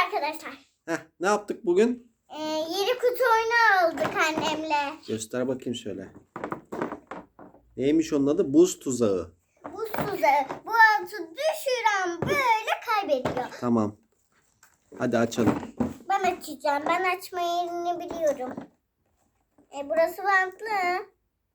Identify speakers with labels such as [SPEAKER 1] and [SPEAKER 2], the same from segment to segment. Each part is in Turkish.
[SPEAKER 1] arkadaşlar.
[SPEAKER 2] Ne yaptık bugün?
[SPEAKER 1] 7 kutu oyunu aldık annemle.
[SPEAKER 2] Göster bakayım şöyle. Neymiş onun adı? Buz tuzağı.
[SPEAKER 1] Buz tuzağı. Bu atı düşüren böyle kaybediyor.
[SPEAKER 2] Tamam. Hadi açalım.
[SPEAKER 1] Ben açacağım. Ben açma yerini biliyorum. Burası bantlı.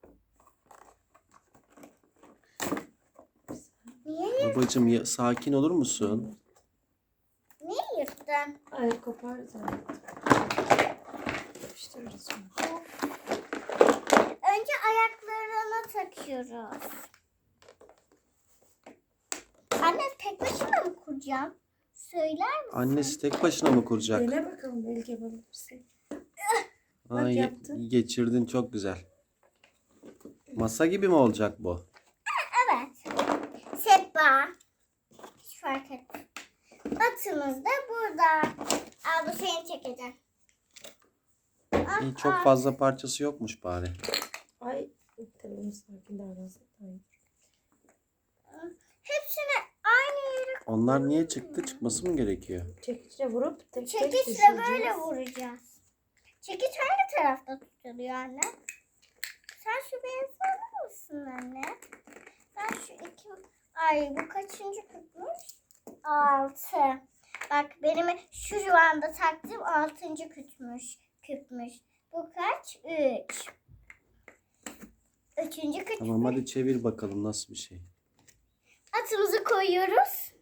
[SPEAKER 1] Niye?
[SPEAKER 2] Babacığım sakin olur musun?
[SPEAKER 1] Niye yırttın?
[SPEAKER 3] Ay kopar zaten. Yapıştırırız onu.
[SPEAKER 1] Önce ayaklarına takıyoruz. Anne tek başına mı kuracağım? Söyler misin?
[SPEAKER 2] Annesi tek başına mı kuracak?
[SPEAKER 3] Dene bakalım belki yapabilirsin.
[SPEAKER 2] Aa,
[SPEAKER 3] Bak yaptın.
[SPEAKER 2] geçirdin çok güzel. Masa gibi mi olacak bu?
[SPEAKER 1] Evet. Sehpa. Hiç fark etmez. Atımız da burada. Al bu seni çekeceğim.
[SPEAKER 2] İyi, çok fazla parçası yokmuş bari.
[SPEAKER 3] Ay tabii onu sakin davransın.
[SPEAKER 1] Hepsini aynı yere
[SPEAKER 2] Onlar niye çıktı? Çıkması mı gerekiyor?
[SPEAKER 3] Çekiçle vurup tek
[SPEAKER 1] çekiçle
[SPEAKER 3] düşüreceğiz.
[SPEAKER 1] böyle vuracağız. Çekiç hangi tarafta tutuluyor anne? Sen şu beyazı alır mısın anne? Ben şu iki... Ay bu kaçıncı küpmüş? 6. Bak benim şu anda taktığım 6. küpmüş. Bu kaç? 3. 3. küp.
[SPEAKER 2] Tamam hadi çevir bakalım nasıl bir şey.
[SPEAKER 1] Atımızı koyuyoruz.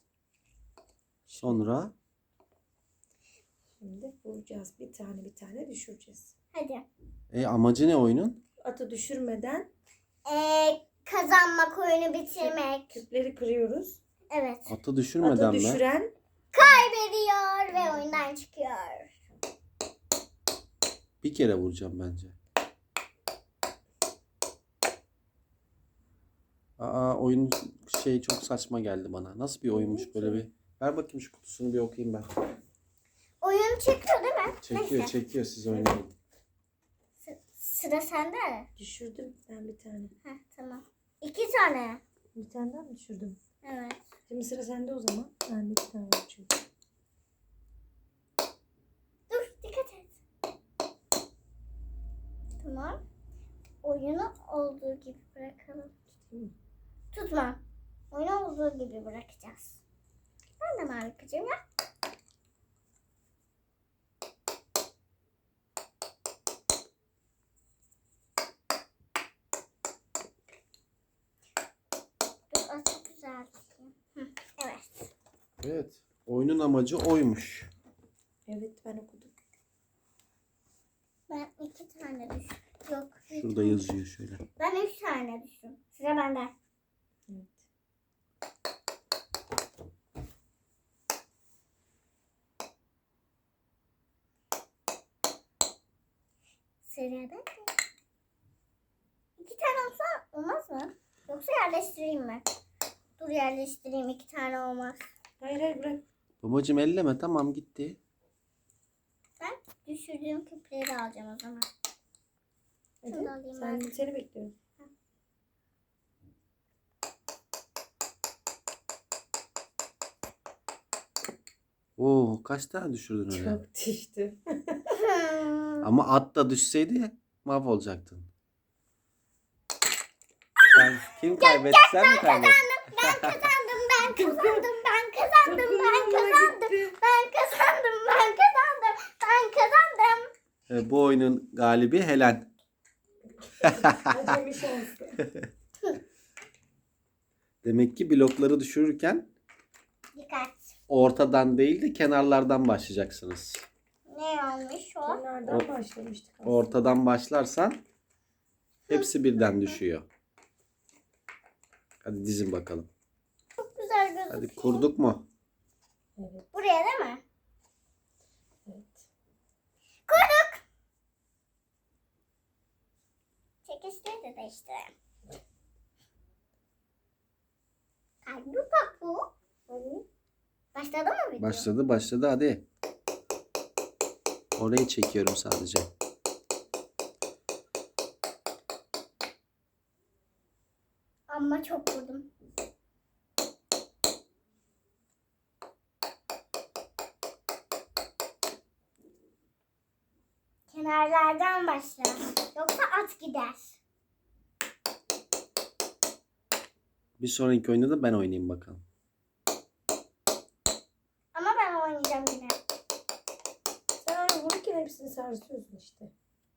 [SPEAKER 2] Sonra
[SPEAKER 3] Şimdi vuracağız. Bir tane düşüreceğiz.
[SPEAKER 1] Hadi.
[SPEAKER 2] amacı ne oyunun?
[SPEAKER 3] Atı düşürmeden
[SPEAKER 1] Kazanmak, oyunu bitirmek.
[SPEAKER 3] küpleri kırıyoruz.
[SPEAKER 1] Evet.
[SPEAKER 2] Atı düşürmeden
[SPEAKER 3] Atı
[SPEAKER 2] mi?
[SPEAKER 3] düşüren
[SPEAKER 1] Kaybediyor ve oyundan çıkıyor.
[SPEAKER 2] Bir kere vuracağım bence. Oyun çok saçma geldi bana. Nasıl bir oyunmuş böyle bir. Ver bakayım şu kutusunu bir okuyayım ben.
[SPEAKER 1] Oyun çekiyor değil mi? Neyse.
[SPEAKER 2] Çekiyor siz oynayın.
[SPEAKER 1] Sıra sende.
[SPEAKER 3] düşürdüm ben bir tane.
[SPEAKER 1] Heh, tamam. 2 tane.
[SPEAKER 3] Bir tane daha mı düşürdüm?
[SPEAKER 1] Evet.
[SPEAKER 3] Şimdi sıra sende o zaman. Ben de bir tane vuracağım.
[SPEAKER 1] Dur dikkat et. Tamam. Oyunu olduğu gibi bırakalım. Tutma. Oyunu olduğu gibi bırakacağız. Ben de mavi kıcım ya. Dur çok güzel. Evet.
[SPEAKER 2] Evet. Oyunun amacı oymuş.
[SPEAKER 3] Evet ben okudum.
[SPEAKER 1] Ben 2 tane düştüm. Yok. bir
[SPEAKER 2] Şurada
[SPEAKER 1] tane.
[SPEAKER 2] yazıyor şöyle.
[SPEAKER 1] Ben 3 tane düştüm. Sıra bende.
[SPEAKER 3] Evet.
[SPEAKER 1] Sıra bende. 2 tane olsa olmaz mı? Yoksa yerleştireyim mi? Dur yerleştireyim. 2 tane olmaz.
[SPEAKER 3] Hayır bırak.
[SPEAKER 2] Babacığım elleme, tamam gitti.
[SPEAKER 1] Ben düşürdüğüm küpleri alacağım o zaman. Şunu da
[SPEAKER 3] Hadi.
[SPEAKER 1] alayım
[SPEAKER 3] Sen,
[SPEAKER 1] ben.
[SPEAKER 3] seni bekliyorum.
[SPEAKER 2] Oo, kaç tane düşürdün öyle?
[SPEAKER 3] Çok düştü.
[SPEAKER 2] Ama at da düşseydi mahvolacaktın. Kim kaybetti? Sen mi kaybettin?
[SPEAKER 1] Ben kazandım. Ben kazandım. Ben kazandım. Ben
[SPEAKER 3] Dokunma
[SPEAKER 1] kazandım.
[SPEAKER 3] gitti.
[SPEAKER 1] Ben kazandım. Ben kazandım. Ben kazandım.
[SPEAKER 2] Bu oyunun galibi Helen.
[SPEAKER 3] Acemi şanslı.
[SPEAKER 2] Demek ki blokları düşürürken
[SPEAKER 1] Dikkat.
[SPEAKER 2] ortadan değil de kenarlardan başlayacaksınız.
[SPEAKER 1] Ne olmuş o?
[SPEAKER 3] Kenardan başlamıştık aslında.
[SPEAKER 2] Ortadan başlarsan hepsi birden düşüyor. Hadi dizin bakalım.
[SPEAKER 1] Çok güzel gözüküyor.
[SPEAKER 2] Hadi kurduk mu?
[SPEAKER 3] Evet.
[SPEAKER 1] Buraya değil mi?
[SPEAKER 3] Evet.
[SPEAKER 1] Kurduk. Çekişleri de değiştirelim. Kalbi bak bu.
[SPEAKER 3] Hadi.
[SPEAKER 1] Başladı mı video?
[SPEAKER 2] Başladı hadi. Orayı çekiyorum sadece.
[SPEAKER 1] Ama çok vurdum. Kenarlardan başla. Yoksa at gider.
[SPEAKER 2] Bir sonraki oyunda da ben oynayayım bakalım.
[SPEAKER 1] Ama ben oynayacağım yine.
[SPEAKER 3] Sen öyle vururken hepsini sarsıyorsun işte.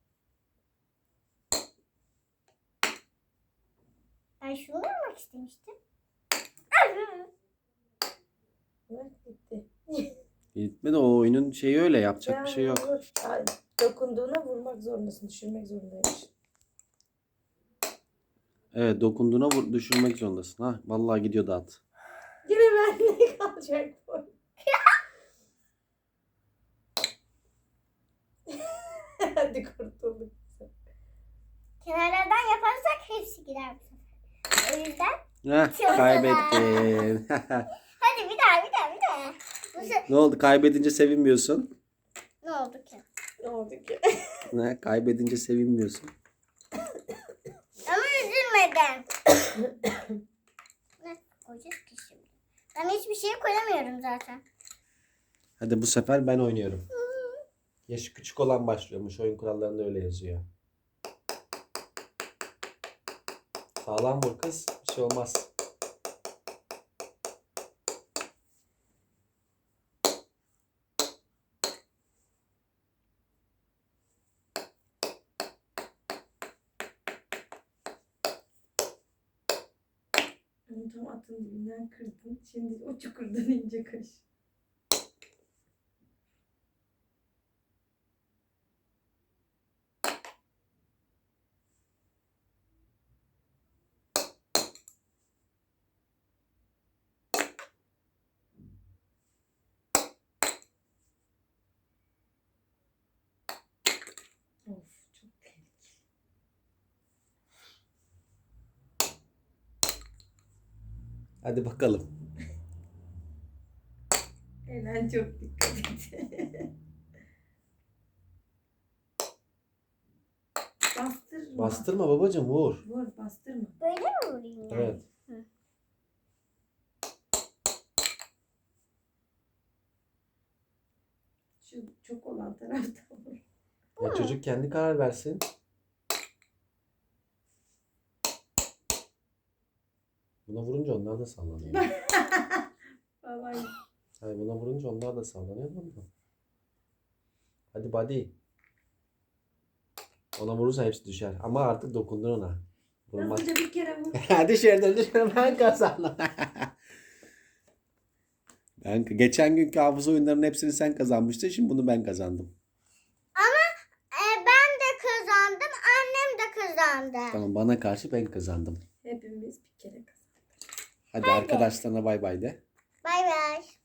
[SPEAKER 1] Ben şunu vurmak istemiştim.
[SPEAKER 3] Evet gitti.
[SPEAKER 2] Gitme de o oyunun şeyi öyle, yapacak bir şey yok.
[SPEAKER 3] Vur. Ay, dokunduğuna vurmak zorundasın. Düşürmek zorundaymış.
[SPEAKER 2] Evet, dokunduğuna düşürmek zorundasın. Ha, vallahi gidiyordu at.
[SPEAKER 3] Yine bende kalacak bu. Hadi kurtulduk.
[SPEAKER 1] Kenarlardan yaparsak hepsi gider bu sefer. O yüzden
[SPEAKER 2] Heh, kaybettin.
[SPEAKER 1] hadi bir daha. Bu sefer
[SPEAKER 2] Ne oldu? Kaybedince sevinmiyorsun.
[SPEAKER 1] ne oldu ki?
[SPEAKER 3] Ne oldu ki?
[SPEAKER 2] Ne? Kaybedince sevinmiyorsun.
[SPEAKER 1] Ama üzülmeden. Ne koyacağız ki şimdi? Ben hiçbir şey koyamıyorum zaten.
[SPEAKER 2] Hadi bu sefer ben oynuyorum. Yaşı küçük olan başlıyormuş. Oyun kurallarında öyle yazıyor. Sağlam vur kız. Bir şey olmaz.
[SPEAKER 3] Onu tam atın dibinden kırdın. Şimdi o çukurdan ince kaş. Of çok tehlikeli.
[SPEAKER 2] Hadi bakalım.
[SPEAKER 3] Elen çok dikkat et. Bastırma.
[SPEAKER 2] Bastırma babacığım, vur.
[SPEAKER 3] Vur bastırma.
[SPEAKER 1] Böyle mi vurayım yani?
[SPEAKER 2] Evet.
[SPEAKER 3] Şu çok olan tarafta vur.
[SPEAKER 2] Ya çocuk kendi karar versin. Buna vurunca onlar da sallanıyor.
[SPEAKER 3] Vallahi
[SPEAKER 2] Hayır, buna vurunca onlar da sallanıyor. Hadi buddy. Ona vurursa hepsi düşer. Ama artık dokundun ona. Vurmak.
[SPEAKER 3] hızlıca bir kere vur.
[SPEAKER 2] Dışarıda ben kazandım. Geçen günkü hafıza oyunlarının hepsini sen kazanmıştın. Şimdi bunu ben kazandım.
[SPEAKER 1] Ben de kazandım. Annem de kazandı.
[SPEAKER 2] Tamam, bana karşı ben kazandım.
[SPEAKER 3] Hepimiz bir kere kazandık.
[SPEAKER 2] Hadi arkadaşlarına bay bay de.
[SPEAKER 1] Bay bay.